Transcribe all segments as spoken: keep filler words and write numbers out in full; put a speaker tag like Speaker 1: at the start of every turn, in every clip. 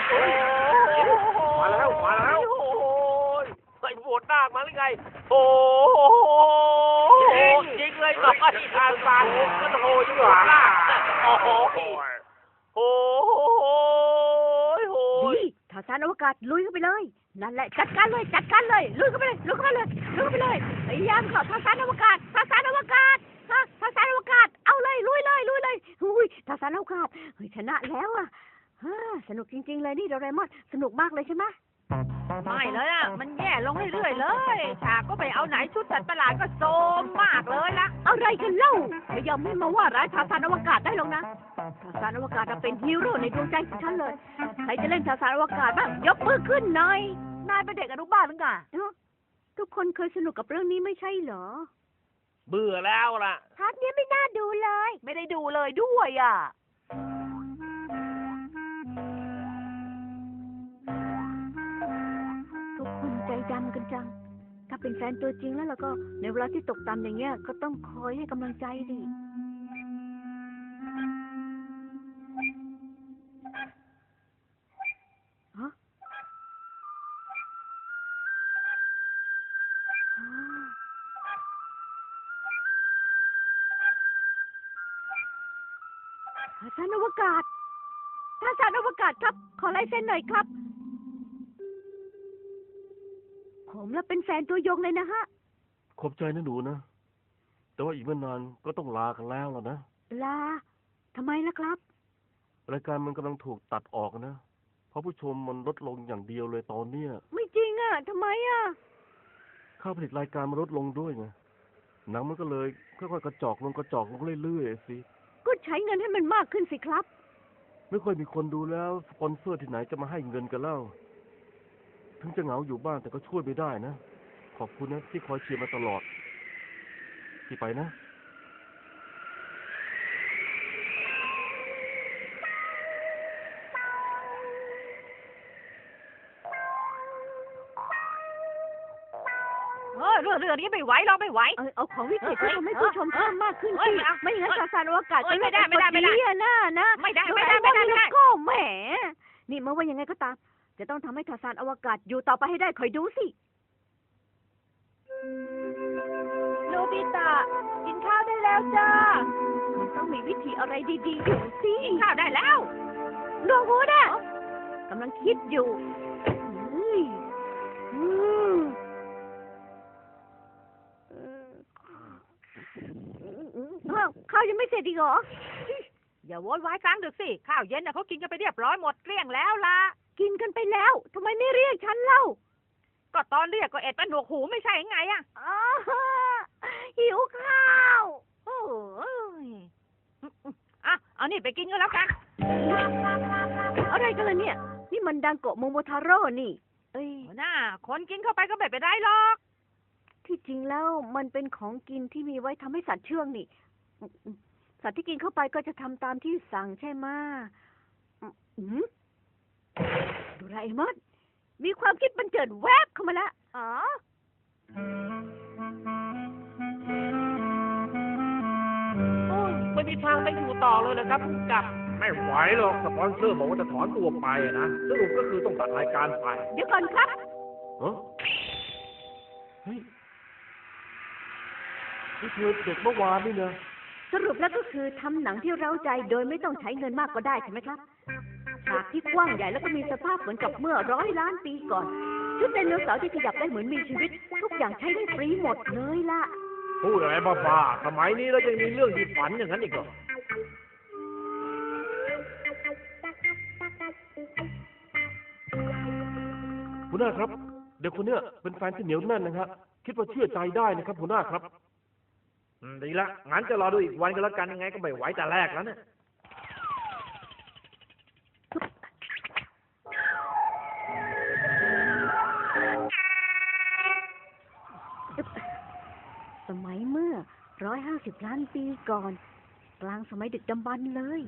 Speaker 1: โอ้มาแล้วมาแล้วโอ้ยไอ้โหดหน้ามาหรือไงโอ้จริงเลยหน่อยทางการก็โหดอยู่หน้าโอ้โหโอ้โหโอ้ย
Speaker 2: ทาซานอวกาศลุยเข้าไปเลยนั่นแหละจัดการเลยจัดการเลยลุยเข้าไปเลยลุยเข้าไปเลยลุยเข้าไปเลยพยายามเข้าทาซานอวกาศทาซานอวกาศฮะทาซานอวกาศเอาเลยลุยเลยลุยเลยอุ้ยทาซานอวกาศเฮ้ยชนะแล้วอ่ะฮ่าสนุกจริงๆเลยนี่โดเรมอนสนุกมากเลยใช่ไหม
Speaker 3: ไม่เลยอ่ะมันแย่ลงเรื่อยๆเลยฉากก็ไปเอาไหนชุดสัตว์ประหลาดก็โซมมากเลยละ
Speaker 2: อะไรกันเล่าไม่ยอมให้มาว่าร้ายทาซานอวกาศได้หรอกนะทาซานอวกาศเป็นฮีโร่ในดวงใจของฉันเลยใครจะเล่นทาซานอวกาศบ้างยกมือขึ้นหน่อย
Speaker 3: นายเป็นเด็กอนุบาลหรือไง
Speaker 2: ทุกคนเคยสนุกกับเรื่องนี้ไม่ใช่เหรอ
Speaker 1: เบื่อแล้วล่ะ
Speaker 2: พาร์ทนี้ไม่น่าดูเลย
Speaker 3: ไม่ได้ดูเลยด้วยอ่ะ
Speaker 2: ทุกคนใจดำกันจังถ้าเป็นแฟนตัวจริงแล้วเราก็ในเวลาที่ตกต่ำอย่างเงี้ยก็ต้องคอยให้กำลังใจดิฮะทาซานอวกาศทาซานอวกาศครับขอลายเซ็นหน่อยครับผมแล้วเป็นแฟนตัวยงเลยนะฮะ
Speaker 4: ขอบใจนะหนูนะแต่ว่าอีกไม่นานก็ต้องลากันแล้วล่ะนะ
Speaker 2: ลาทำไมล่ะครับ
Speaker 4: รายการมันกำลังถูกตัดออกนะเพราะผู้ชมมันลดลงอย่างเดียวเลยตอนเนี้ย
Speaker 2: ไม่จริงอ่ะทำไมอ่ะ
Speaker 4: ค่าผลิตรายการมันลดลงด้วยไงหนังมันก็เลยค่อยๆกระจอกลงกระจอกลงเรื่อยๆสิ
Speaker 2: ก็ใช้เงินให้มันมากขึ้นสิครับ
Speaker 4: ไม่ค่อยมีคนดูแล้วสปอนเซอร์ที่ไหนจะมาให้เงินกันเล่าถึงจะเหงาอยู่บ้านแต่ก็ช่วยไม่ได้นะขอบคุณนะที่คอยเชียร์มาตลอดที่ไปนะ
Speaker 3: เออเรื่องเรื่องนี้ไม่ไหวเราไม่ไหว
Speaker 2: เออเอาของวิเศษที่ทำให้ผู้ชมเพิ่มมากขึ้นสิไม่อย่างนั้นทาซานอวกาศ
Speaker 3: จะไม่ได้ไม่ได้ไม่ได้
Speaker 2: นะนะ
Speaker 3: ไม่ได้ไม่ได้ไม่ได้ไม่ได้
Speaker 2: ก็แหมนี่เมื่อว่ายังไงก็ตามจะต้องทำให้ทาซานอวกาศอยู่ต่อไปให้ได้คอยดูสิ
Speaker 3: โนบิตะกินข้าวได้แล้วจ้า
Speaker 2: มันต้องมีวิธีอะไรดีๆอยู่สิ
Speaker 3: กินข้าวได้แล้ว
Speaker 2: ดวงหูน่ะกำลังคิดอยู่ข้าวยังไม่เสร็จอีกเหรอ
Speaker 3: อย่าโวยวายกลางดึกสิข้าวเย็นน่ะเขากินกันไปเรียบร้อยหมดเกลี้ยงแล้วล่ะ
Speaker 2: กินกันไปแล้วทำไมไม่เรียกฉันเล่า
Speaker 3: ก็ตอนเรียกก็เอ็ดเป็นหนวกหูไม่ใช่ไงอ่ะ
Speaker 2: หิวข้าว
Speaker 3: โอ้ยอ่ะเอานี่ไปกินก็แล้วกัน
Speaker 2: อะไรกันล่ะเนี่ยนี่มันดังโกะโมโมทาโร่นี่
Speaker 3: เอ้ยน่าคนกินเข้าไปก็ไม่เป็นไรหรอก
Speaker 2: ที่จริงแล้วมันเป็นของกินที่มีไว้ทำให้สัตว์เชื่องนี่สัตว์ที่กินเข้าไปก็จะทำตามที่สั่งใช่ไหมโดราเอมอนมีความคิดบันเจิดแวบเข้ามาแล้วอ๋อ
Speaker 1: ไม่มีทางไปอยู่ต่อเลยนะครับผู้กำกับไม่ไหวหรอกสปอนเซอร์บอกว่าจะถอนตัวไปนะสรุปก็คือต้องตัดรายการไป
Speaker 2: เดี๋ยวก่อนครับ
Speaker 4: เฮ้ยนี่คือเด็กเมื่อวานนี่นะ
Speaker 2: สรุปแล้วก็คือทำหนังที่เร้าใจโดยไม่ต้องใช้เงินมากก็ได้ใช่ไหมครับฉากที่กว้างใหญ่แล้วก็มีสภาพเหมือนกับเมื่อร้อยล้านปีก่อนชุดไดโนเสาร์ที่ขยับได้เหมือนมีชีวิตทุกอย่างใช้ได้ฟรีหมดเลยล่ะ
Speaker 1: พูดอะไรบ้าๆสมัยนี้แล้วยังมีเรื่องที่ฝันอย่างนั้นอีกเหรอ
Speaker 4: หัวหน้าครับเด็กคนเนี้ยเป็นแฟนที่เหนียวแน่นนะครับคิดว่าเชื่อใจได้นะครับหัวหน้าครับ
Speaker 1: ดีละงั้นจะรอดูอีกวันก็แล้วกันยังไงก็ไม่ไหวแต่แรกแล้วเนี่ย
Speaker 2: สมัยเมื่อร้อยห้าสิบล้านปีก่อนกลางสมัยดึกดำบรรพ์เลย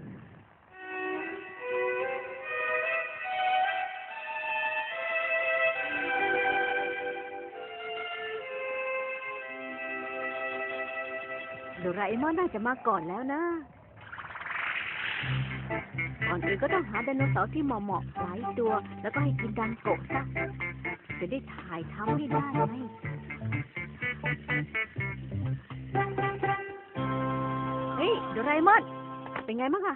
Speaker 2: โดราเอมอนน่าจะมาก่อนแล้วนะก่อนอื่นก็ต้องหาไดโนเสาร์ที่เหมาะๆหลายตัว แล้วก็ให้กินดังโกะซะจะได้ถ่ายทำให้ได้ไงเฮ้ยโดราเอมอนเป็นไงบ้างอะ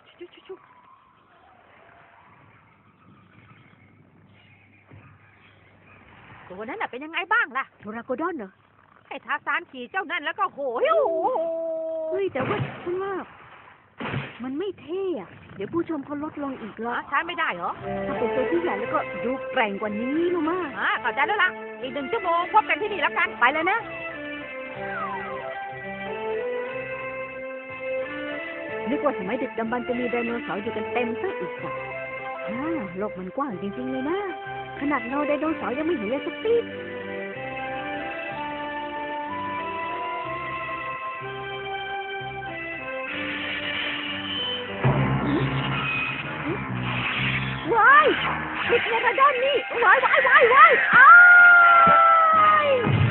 Speaker 3: ตัวนั้นน่ะเป็นยังไงบ้างล่ะ
Speaker 2: โทราโกดอนเหรอ
Speaker 3: ไอ้ทาซานขี่เจ้านั่นแล้วก็โหยโอ้โห
Speaker 2: เฮ้ยแต่ว่าฉันว่ามันไม่เท่อะเดี๋ยวผู้ชมเขาลดลงอีกแล้ว
Speaker 3: หาใช้ไม่ได้เหรอ
Speaker 2: ถ้าเป็นตัวที่ใหญ่แล้วก็ดูแกร่งกว่านี้รู้มาก
Speaker 3: อ่าเข้าใจแล้วล่ะ อีกหนึ่งชั่วโมงพบกันที่นี่แล้วกัน
Speaker 2: ไปเลยนะ นึกว่าสมัยดึกดำบรรพ์จะมีไดโนเสาร์อยู่กันเต็มซะอีกอ่ะอ่าโลกมันกว้างจริงๆเลยนะ ขนาดเราไดโนเสาร์ยังไม่เห็นเลยสักทีว้ายมิดเนกาดอนนี่ว้ายว้ายว้ายว้ายอ้าย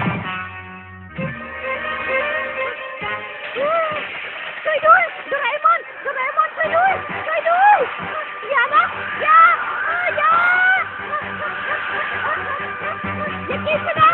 Speaker 2: ช่วยด้วยโดราเอมอนโดราเอมอนช่วยด้วยช่วยด้วยอย่านะอย่าอย่าอย่ากินฉันนะ